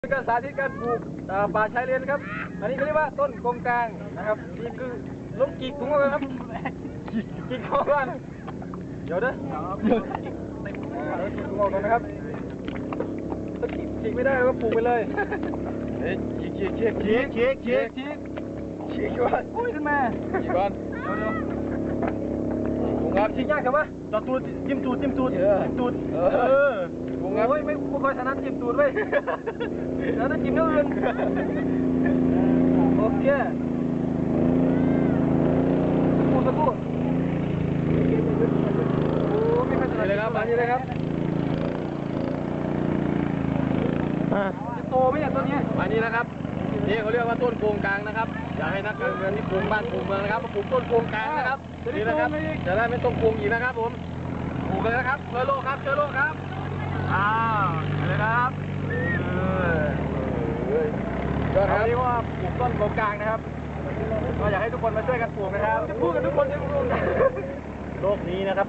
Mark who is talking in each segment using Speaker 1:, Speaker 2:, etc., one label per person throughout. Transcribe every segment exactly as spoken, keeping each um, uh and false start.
Speaker 1: การสาธิตการปลูกป่าชายเลนครับอันนี้เขาเรียกว่าต้นกงกลางนะครับนี่คือล้มกีกถุงเอาเลยครับกีกเข้าบ้านเดี๋ยวเด้อเดี๋ยวกีกถุงเอากันนะครับถ้ากีกกีกไม่ได้ก็ปลูกไปเลยเฮ้ยกีกกีกกีกกีกกีกกีกกีกกีกก่อนอุ้ยขึ้นมากีกก่อนเดี๋ยวเดี๋ยวถุงครับกีกยากครับวะจอดตูดจิ้มตูดจิ้มตูดจิ้มตูดเออโอ้ยไม่ไม่ค่อยถนัดจิ้มตูดเว้ยแล้วต้องจิ้มเนื้ออื่นโอเคสักครู่สักครู่โอ้ไม่ค่อยถนัดเลยครับมานี่เลยครับจะโตไหมเนี่ยต้นนี้มานี่นะครับนี่เขาเรียกว่าต้นโกงกลางนะครับอยากให้นักการเมืองที่ปลูกบ้านปลูกเมืองนะครับมาปลูกต้นโกงกลางนะครับนี่นะครับจะได้ไม่ต้องโกงอีกนะครับผมปลูกเลยนะครับเชื้อโรคครับเชื้อโรคครับอ้าวเลยครับก็เรียกว่าปลูกต้นโกงกลางนะครับก็อยากให้ทุกคนมาช่วยกันปลูกนะครับจะพูดกันทุกคนจะพูดโลกนี้นะครับ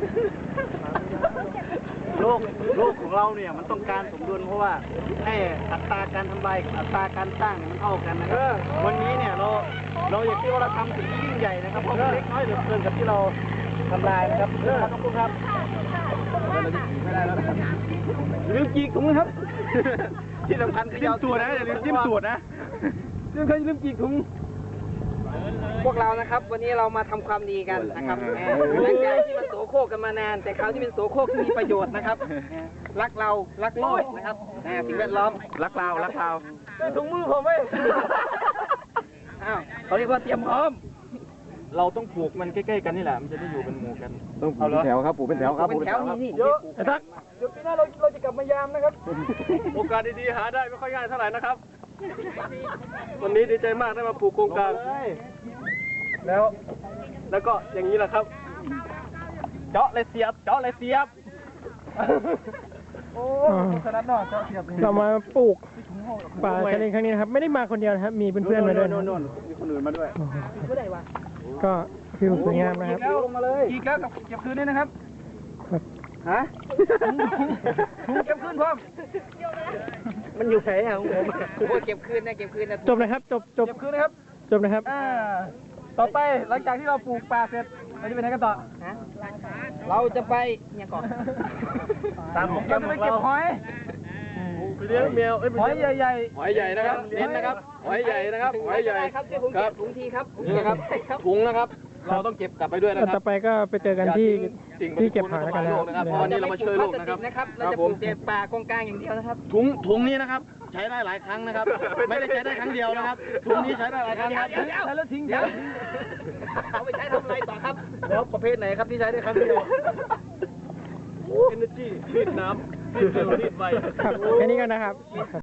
Speaker 1: โลกโลกของเราเนี่ยมันต้องการสมดุลเพราะว่าให้อัตราการทำลายกับอัตราการสร้างเนี่ยมันเท่ากันนะครับวันนี้เนี่ยเราเราอยากที่ว่าเราทำสิ่งที่ยิ่งใหญ่นะครับเพราะมันเล็กน้อยเหลือเกินกับที่เราทำลายนะครับขอบคุณครับไม่ได้แล้วนะครับลืมจีกถุงมือครับที่สำคัญคือจิ้มตูดนะอย่าลืมจิ้มตูดนะเรื่องเคยลืมจีกถุงพวกเรานะครับวันนี้เรามาทำความดีกันนะครับหลังจากที่มันโสโครกกันมานานแต่คราวที่เป็นโสโครกที่มีประโยชน์นะครับรักเรารักโลกนะครับสิ่งแวดล้อมรักเรารักเราถุงมือผมเว้ยอ้าวเขาเรียกว่าเตรียมพร้อมเราต้องปลูกมันใกล้ๆกันนี่แหละมันจะได้อยู่เป็นหมู่กัน
Speaker 2: ต้องปลูกเป็นแถวครับปลูกเป็นแถวครับปลูกเป็นแถว
Speaker 1: นี่เยอะไอ้ทักเดี๋ยวปีหน้าเราเราจะกลับมายามนะครับโอกาสดีๆหาได้ไม่ค่อยง่ายเท่าไหร่นะครับวันนี้ดีใจมากได้มาปลูกโครงการแล้วแล้วก็อย่างนี้แหละครับเจาะเลยเสียบเจาะเลยเสียบโอ้ขนาดนอกเจาะเสียบ
Speaker 3: เรามาปลูกป่าชายเลนครั้งนี้นะครับไม่ได้มาคนเดียวนะครับมีเพื่อนๆมาด้วยนะ
Speaker 1: มีคนอื่นมาด้วย
Speaker 3: ก็วิวสวยงามนะครับ
Speaker 1: ลงมาเลยอีกแล้วกับเก็บคืนนี่นะครับฮะถุงเก็บคืนพร้อมมันอยู่ไหนอ่ะผมโอ้เก็บคืนนะเก็บคืนนะ
Speaker 3: จบนะครับจบจบ
Speaker 1: เก็บคืนนะครับ
Speaker 3: จบนะครับ
Speaker 1: อ่าต่อไปหลังจากที่เราปลูกป่าเสร็จเราจะไปไหนกันต่อฮะเราจะไปเนี่ยก่อนตามผมเราจะไปเก็บหอยไปเลี้ยงแมวหอยใหญ่ๆหอยใหญ่นะครับเน้นนะครับหอยใหญ่นะครับหอยใหญ่ครับครับถุงทีครับนี่นะครับถุงนะครับเราต้องเก็บกลับไปด้วยนะครับ
Speaker 3: ต่อไปก็ไปเจอกันที่ที่เก็บหอยกัน
Speaker 1: นะครับเพราะวันนี้เรามาช่วยโลกนะครับเราจะปลูกแต่ป่ากงกลางอย่างเดียวนะครับถุงถุงนี้นะครับใช้ได้หลายครั้งนะครับไม่ได้ใช้ได้ครั้งเดียวนะครับถุงนี้ใช้ได้หลายครั้งครับใช้แล้วทิ้งเดี๋ยวเอาไปใช้ทำอะไรต่อครับแล้วประเภทไหนครับที่ใช้ได้ครั้งเดียว Energy รีดน้ำรีดเร็วรีดไว
Speaker 3: ครับแค่นี้กันนะครับ